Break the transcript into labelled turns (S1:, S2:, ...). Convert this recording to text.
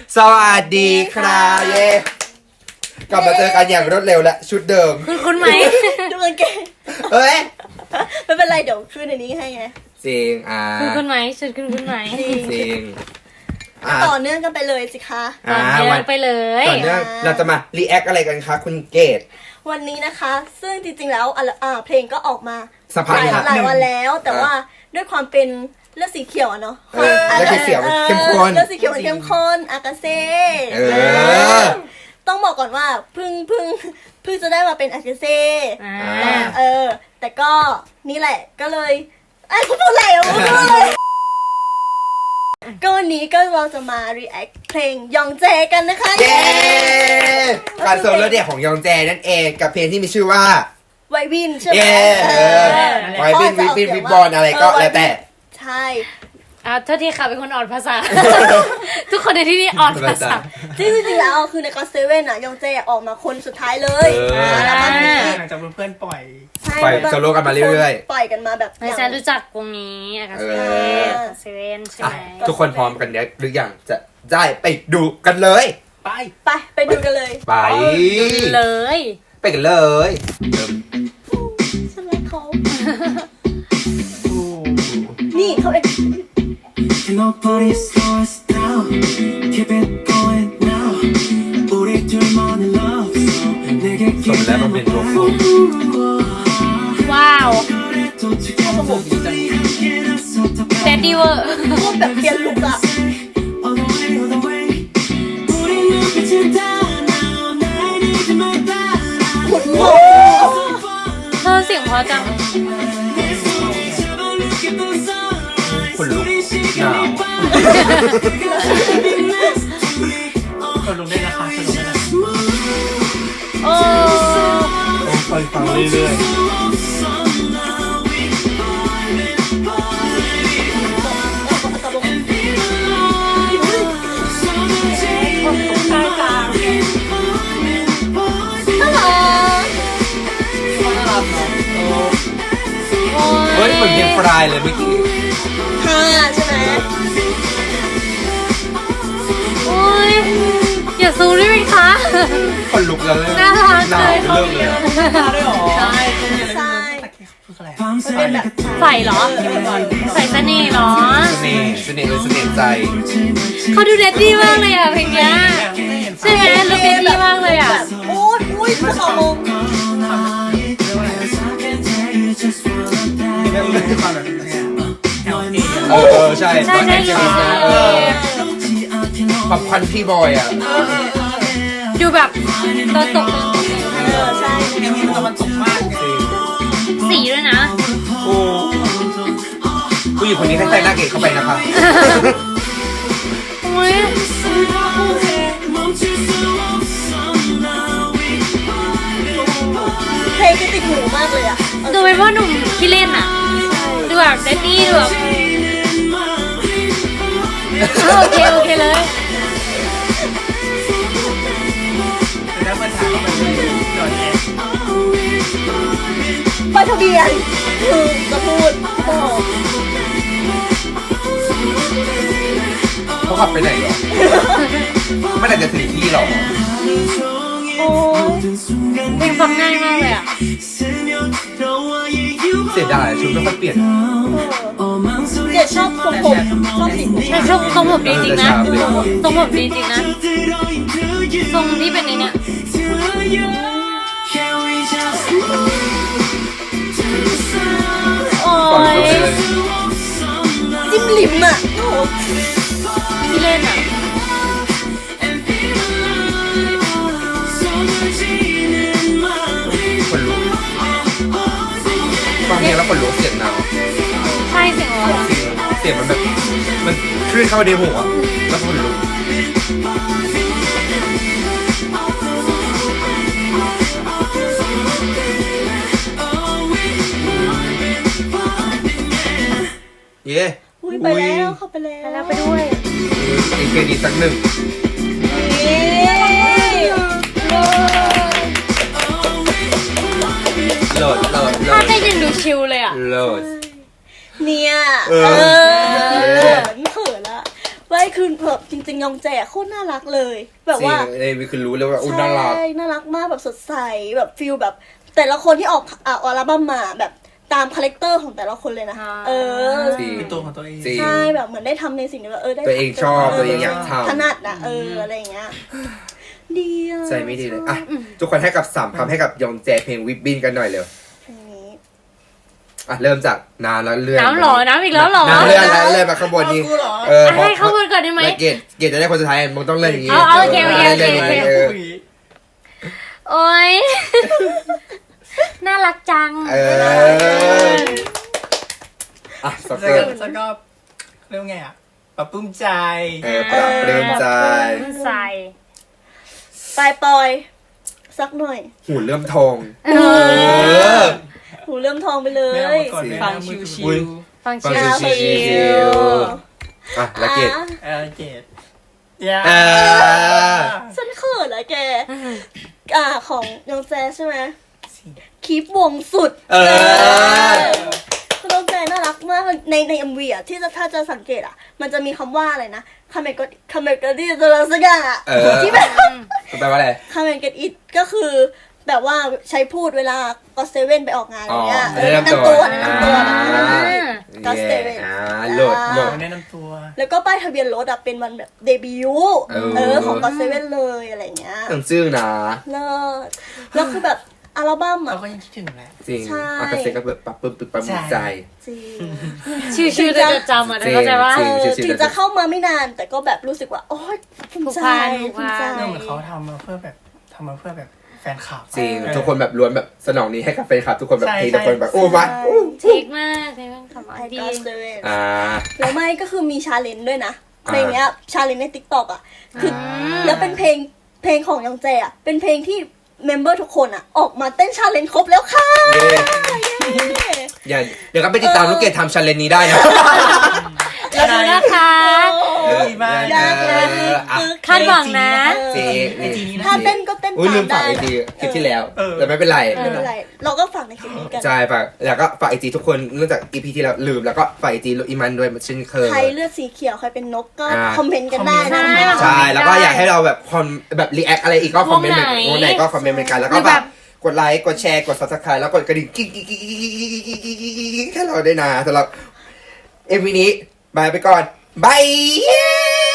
S1: สวัสดีครับเย่กลับมาเจอกันอย่างรวดเร็วและชุดเดิม
S2: คุณไหม
S3: ดูกางเกง
S1: เฮ้ย
S3: ไม่เป็นไรเดี๋ยวขึ้นในนี้ให้ไง
S1: จริง
S2: คุณไหมชุดคุณไหม
S1: จริง
S3: ต่อเนื่องกันไปเลยสิคะ
S2: ต่อเนื่องไปเลย
S1: ต่อเนื่องเราจะมารีแอคอะไรกันคะคุณเกด
S3: วันนี้นะคะซึ่งจริงๆแล้วเพลงก็ออกมาหลายวันแล้วแต่ว่าด้วยความเป็นเลือดสีเขียวเนาะ
S1: เลือดสีเขียวเข้มข้น
S3: เลือดสีเขียวเข้มข้นอากาเซ่ต้องบอกก่อนว่าเพิ่งจะได้มาเป็นอากาเซ่แต่ก็นี่แหละก็เลยคุณพูดอะไรอ่ะก็วันนี้ก็เราจะมา react เพลงยองแจกันนะคะ
S1: เย้การโซโล่เดี่ยวของยองแจนั่นเองกับเพลงที่มีชื่อว่า
S3: ไววินใช่ไหม
S1: ไววินวิบอลอะไรก็แล้วแต่
S3: ใช่
S2: โทษทีค่ะเป็นคนอ่อนภาษาทุกคนในที่นี้อ่อนภาษา
S3: จริงๆแล้วคือในก็เซเว่นอะยองแจออกมาคนสุดท้ายเลย
S4: แล้วก็หลังจากเพื่อนปล่อย
S1: โซโล่กันมาเรื่อย
S3: ๆปล่อยกันมาแบบ
S2: ไม่ใช่รู้จักวงนี้อากาเซเว่นใช่ไหม
S1: ทุกคนพร้อมกันเนี่ยหรือยังจะได้ไปดูกันเลย
S3: ไปดูกันเลย
S1: ไป
S2: เลย
S1: ไปกันเลย
S3: ฉันรักเขานี่เขาเอง
S5: Nobody slow us down. Keep it going now. 우리 둘만의 love song. 내게 기대는
S2: ว้าวแดดดี้เวอร์
S3: พูดแบบเปลี่ยนลุคอะขุดหัว
S2: เธอเสียงเพราะจัง
S1: คนลุกหนาว
S4: คนลงได้นะคะคนลงได้นะ
S2: โอ้
S4: ฟังเรื่อย
S1: เฮ้ยเหมือนเพลงฟรายเลยเมื่อกี้
S3: ใช่ไหม
S2: โอ้ยอย่าซูมได้ไหมคะ
S1: คนลุกแล้วเลย
S2: น่ารักเลย
S1: เริ่มเลย
S3: ใช่เป็นแบบ
S2: ใส่เหรอใส่เสน่ห์เหรอ
S1: เสน่ห์ใจ
S2: เขาดูเด็ดดี้มากเลยอ่ะเพลงเนี้ยใช่ไหมดูเด็ดดี้มากเลยอ่ะ
S3: โอ้ยจะขอมง
S1: ใช่ความพันพี่บอยอ่ะ
S2: ดูแบบตอนตก
S3: ใช่
S4: มันตกมาก
S2: สีด้วยนะ
S1: ผู้หญิงคนนี้ให้ใส่หน้าเกศเข้าไปนะคะ
S3: เพลงก็ติดหูมากเลยอ่ะ
S2: ดูเป็นว่าหนุ่มที่เล่นอ่ะดูแบบเดดดี้ดูแบบโอเคเลย
S4: แล้วมาถามว่ามันจอดแอร์
S3: ป้ายทะเบียนคือจะพูด
S1: เขาขับไปไหนหรอไม่น่าจะถึงที่หรอก
S2: เพลงฟังง่ายมากเลยอ่ะ
S1: เสียดายชุดไม่ค่อยเปลี่ยน
S3: เดี๋ยวชอบทรงผมชอบสีผม
S2: ใช่ทรงผมดีจริงนะทรงผมดีจริงนะทรงที่เป็นเนี่ยโอ้ย
S3: จิ้มลิ้มอ่ะ
S2: ที่เล่นอ่ะ
S1: คนลุกฟังเพลงแล้วคนลุกเสียงหนาว
S2: ใช่เสียงอะไร
S1: เสียงมันแบบมันคลื่นเข้าในหัวแล้วคนลุกเย้
S3: ไปแล้วเข้าไปแล้ว
S2: ไปด้วย
S1: อีกเพลงอีกสักหนึ่งโหลด
S2: ถ้าได้ยินดูชิลเลยอ่ะ
S1: โหลด
S3: เนี่ยไม่เขินละไว้คือแบบจริงๆยองแจโคตรน่ารักเลย แบบว่า
S1: ในวิคือรู้เลยว่าอุ้ยน่ารัก
S3: ใช่น่ารักมากแบบสดใสแบบฟิลแบบ แต่ละคนที่ออกอัลบั้มมาแบบตามคาแรคเตอร์ของแต่ละคนเลยนะ
S1: จริง
S4: เป็นตัวของตัวเอง
S1: จริง
S3: ใช่แบบเหมือนได้ทำในสิ่งที่แบบได้
S1: ตัวเองชอบตัวเองอยากทำ
S3: ถนัดนะอะไรอย่างเงี้ยดีอะ
S1: ใจไม่ดีเลยอ่ะทุกคนให้กับ3 คำให้กับยองแจเพลงวิบบินกันหน่อยเร็ว
S3: เพลงนี้
S1: อ่ะเริ่มจากน้ำแล้วเลื่อน
S2: น้ำหรอน้ำอีกแล้วหรอ
S1: น้ำเลื่อนแล้วเลื่อนมาข้างบนนี้
S4: เอากูเหรอ
S2: ให้เข้ามาก่อนได้ไหม
S1: แล้วเกรดจะได้คนสุดท้ายมึงต้องเลื่อนอย่างนี้
S2: เอาโอเค
S1: ลื่นอย่างนี้
S2: โอ๊ย น่ารักจัง
S1: อ่ะส
S4: แล้ว
S1: เกิร์ต
S4: ก็เรียกว่าไงอ่ะปรับปลื้มใจ
S1: ปรับเปลื้มใจ
S2: ใส่
S3: ปล่อยสักหน่อย
S1: หูเริ่มทอง
S3: หูเริ่มทองไปเล
S4: ไม่เอา
S3: ย
S4: มาก่อน
S2: ฟัง
S4: มือ
S2: ชิ
S4: ถือ
S2: ว ฟัง
S1: ฟัง
S2: ชิว
S1: ชิวๆอ่ะแล้วเกรด
S4: เกตอย่า
S3: ฉันเขินอะแก ของยองแจใช่ไหมคลิปวงสุดคือน้องแจน่ารักมากในเอ็มวีอะที่ถ้าจะสังเกตอะมันจะมีคำว่าอะไรนะคาเมกอดี้ตัวสักอย่างอะที่แบบ
S1: แปลว่าอะไร
S3: คาเมกอดี้ก็คือแบบว่าใช้พูดเวลาก็เซเว่นไปออกงานอะไรเงี้ยแนะนำตัวแบบนั้น ก็สเตเว่น
S1: โหลด
S4: แนะนำตัว
S3: แล้วก็ป้ายทะเบียนรถอะเป็นวันแบบเดบิวต์ของก็เซเว่นเลยอะไรเงี้ย
S1: ตั้งชื่อนะ
S3: เลิศแล้วคือแบบอัลบั้ม
S4: เรา
S3: อะ
S4: ก็ยังคิดถึงแหละ
S1: จริง
S3: ใช่
S1: อากาเซก็แบบปรับปลื้มปรับมือใจ
S3: จริง
S2: ชิวๆจะจำอ่ะเข้าใจว่า
S1: จริง
S3: ถึงจะเข้ามาไม่นาน แต่ก็แบบรู้สึกว่าโอ๊ยภูมิใจ
S2: ผูกพัน
S3: ภูมิใจ
S4: เรื่องเหมือนเขาทำมาเพื่อแบบแฟนคลับ
S1: จริงทุกคนแบบล้วนแบบสนองนี้ให้กับแฟนคลับทุกคนแบบ
S4: ใช่
S1: ทีทุกคนแบบโอ้มา
S2: เทิกมากเทิกมากคำว่า
S3: ไอ
S2: ดี
S3: ก็เซเว่น
S1: แล้ว
S3: ไม่ก็คือมีชาเลนจ์ด้วยนะ
S1: อ่า
S3: ในเนี้ยชาเลนจ์ในติ๊กต็อกอะคือแล้วเป็นเพลงของยองแจอะเป็นเพลงที่เมมเบอร์ทุกคนอะออกมาเต้นชาเลนจ์ครบแล้วค่ะ
S1: อย่าเดี๋ยวก็ไปติดตามลูกเกดทำชันเลนนี้ได้นะ
S2: เราดูนะคะ
S4: ดีมาก
S2: คาดหวังนะ
S1: จริง
S4: ไอจีนี้นะ
S3: ถ้าเต้นก็เต้น
S1: อุ้ย
S3: ตา
S1: ลื
S3: ม
S1: มฝาก
S3: ได้
S1: ไอจีคลิปที่แล้ว
S4: เออ
S1: แต่ไม่เป็นไร
S3: ไม่เป็นไรเราก็ฝากในคลิปนี้กัน
S1: ใช่ฝากแล้วก็ฝากไอจีทุกคนเนื่องจากอีพีที่แล้วลืมแล้วก็ฝากไอจีอีมันด้วยเช่นเคย
S3: ใครเลือดสีเขียวใครเป็นนกก็
S1: อ่า
S3: คอมเมนต์กันได้นะ
S1: ใช่แล้วก็อยากให้เราแบบแบบรีแอคอะไรอีกก็คอมเมนต์
S2: วงไหน
S1: ไหนก็คอมเมนต์เหมือนกันแล้วก็
S2: หรือ
S1: แบ
S2: แบบ บ
S1: กดไลค์กดแชร์กด subscribe แล้วกดกระดิ่งกิ๊กให้เราได้นะสำหรับเอ็มวีนี้บายไปก่อนบาย